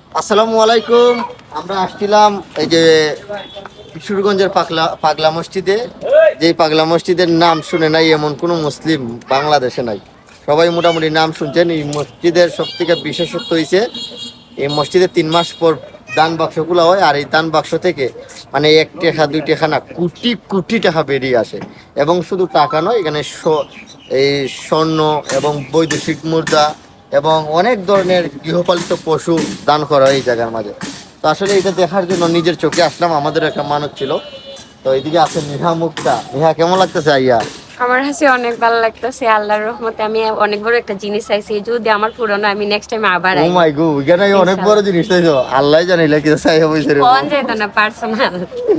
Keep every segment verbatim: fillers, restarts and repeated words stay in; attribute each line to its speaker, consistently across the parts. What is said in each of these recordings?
Speaker 1: আসসালামু আলাইকুম। আমরা আসছিলাম এই যে কিশোরগঞ্জের পাগলা পাগলা মসজিদে। যেই পাগলা মসজিদের নাম শুনে নাই এমন কোনো মুসলিম বাংলাদেশে নাই। সবাই মোটামুটি নাম শুনছেন। এই মসজিদের সব থেকে বিশেষত্ব হয়েছে এই মসজিদে তিন মাস পর দান বাক্সগুলো হয়, আর এই দান বাক্স থেকে মানে এক টাকা দুই টাকা না কোটি কোটি টাকা বেরিয়ে আসে। এবং শুধু টাকা নয়, এখানে স- এই স্বর্ণ এবং বৈদেশিক মুদ্রা এবং অনেক ধরনের গৃহপালিত পশু দান করা হয় এই জায়গার মাঝে। তো আসলে এটা দেখার জন্য নিজের চোখে আসলাম। আমাদের একটা মানত ছিল। তো এইদিকে আছে নেহা মুক্তা। নেহা, কেমন লাগতেছে আইয়া?
Speaker 2: আমার কাছে অনেক ভালো লাগতেছে, আল্লাহর রহমতে আমি অনেক বড় একটা জিনিস চাইছি। যদি আমার পুরনো আমি নেক্সট টাইম আবার
Speaker 1: ও
Speaker 2: আই।
Speaker 1: মাই গো, এখানে অনেক বড় জিনিস চাইছো। আল্লাহ জানিলে কি চাই হবে রে।
Speaker 2: ফোন যেত না পার্সোনাল।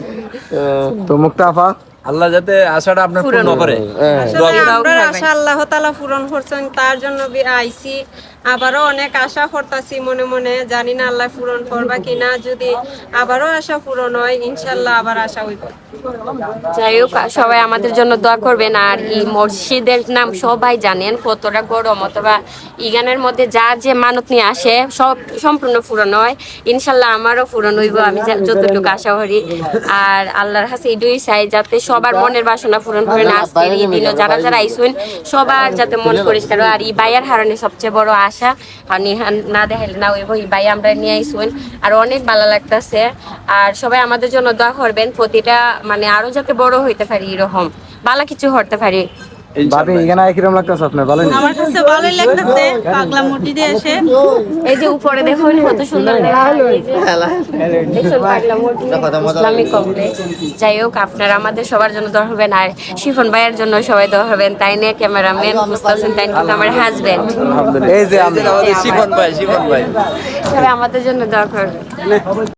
Speaker 1: তো মুক্তা আপা,
Speaker 3: আল্লাহ যাতে আশাটা আপনার
Speaker 2: পূরণ
Speaker 3: পূর্ণ করে।
Speaker 1: হ্যাঁ।
Speaker 4: আসলে
Speaker 2: দোয়া
Speaker 4: আমরা
Speaker 2: করবেন।
Speaker 4: আশা আল্লাহ তাআলা পূরণ করছেন, তার জন্য বি- আইছি। আবারও অনেক আশা করতেছি মনে মনে, জানি না আল্লাহ পূরণ করবা কিনা। যদি আবারও আশা পূরণ হয় ইনশাল্লাহ আবার আশা হইব।
Speaker 2: যাই হোক, সবাই আমাদের জন্য দোয়া করবেন। আর এই মসজিদের নাম সবাই জানেন কতটা গরম, অথবা ইগানের মধ্যে যার যে মানত নিয়ে আসে সব সম্পূর্ণ পূরণ হয়। ইনশাল্লাহ আমারও পূরণ হইব, আমি যা- যতটুকু আশা করি। আর আল্লাহর কাছে এটাই চাই যাতে সবার মনের বাসনা পূরণ করেন। আজকের এই দিনও যারা যারা আইসুন সবার যাতে মন পরিষ্কার হয়। আর এই বাইয়ার হারণে সবচেয়ে বড় আশা, আর নিহান না দেখাইলে না হইব, এই বাই আমরা নিয়ে আইসুন। আর অনেক ভালো লাগতেছে। আর সবাই আমাদের জন্য দোয়া করবেন, প্রতিটা মানে আরো যাতে বড় হইতে পারি, এরকম ভালো কিছু করতে পারি।
Speaker 5: ভাবি এখানে কিরকম লাগতেছে আপনার বলেন?
Speaker 4: আমার কাছে ভালোই লাগতেছে পাগলা মসজিদে এসে।
Speaker 2: এই যে উপরে দেখুন কত সুন্দর দেখা যায়, এই যে দেখুন পাগলা মসজিদ, ইসলামিক কমপ্লেক্স। যাই হোক, আপনারা আমাদের সবার জন্য দোয়া করবেন। আর শিফন ভাইয়ের জন্য সবাই দোয়া করবেন। তাই নিয়ে ক্যামেরাম্যান মুস্তাফিজ, তাই কিন্তু আমার হাজবেন্ড।
Speaker 5: এই যে আমি
Speaker 3: আমাদের শিবন ভাই, শিবন ভাই।
Speaker 2: সবাই আমাদের জন্য দোয়া করবেন।